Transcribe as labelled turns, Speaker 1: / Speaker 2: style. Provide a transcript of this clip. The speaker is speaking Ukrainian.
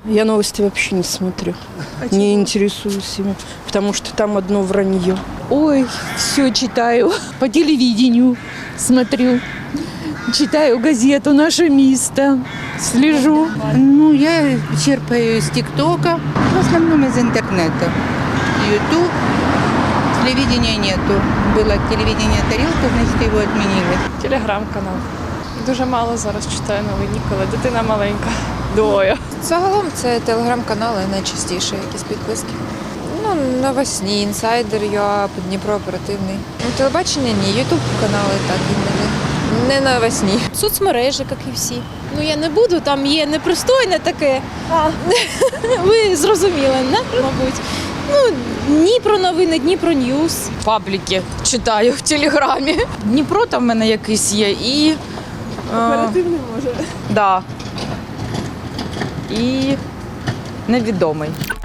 Speaker 1: Я новости вообще не смотрю, не интересуюсь ими, потому что там одно вранье.
Speaker 2: Ой, все читаю. По телевидению смотрю. Читаю газету «Наше место». Слежу.
Speaker 3: Ну, я черпаю из ТикТока, в основном из интернета. Ютуб, телевидения нету. Было телевидение «Тарелка», значит, его отменили.
Speaker 4: Телеграм-канал. Дуже мало зараз читаю новини, коли дитина маленька. Двоє.
Speaker 5: Загалом це телеграм-канали найчастіше, якісь підписки. Ну, Новосні, інсайдер, ЮА, Дніпро оперативний. Ну, телебачення ні, ютуб канали так іноді. Не новосні.
Speaker 6: Соцмережі, як і всі. Ну я не буду, там є непристойне таке. Ви зрозуміли, не? Мабуть. Ну, Дніпро новини, Дніпро Ньюс.
Speaker 7: Пабліки читаю в Телеграмі. Дніпро там в мене якийсь є і...
Speaker 4: Оперативний може.
Speaker 7: Да. І невідомий.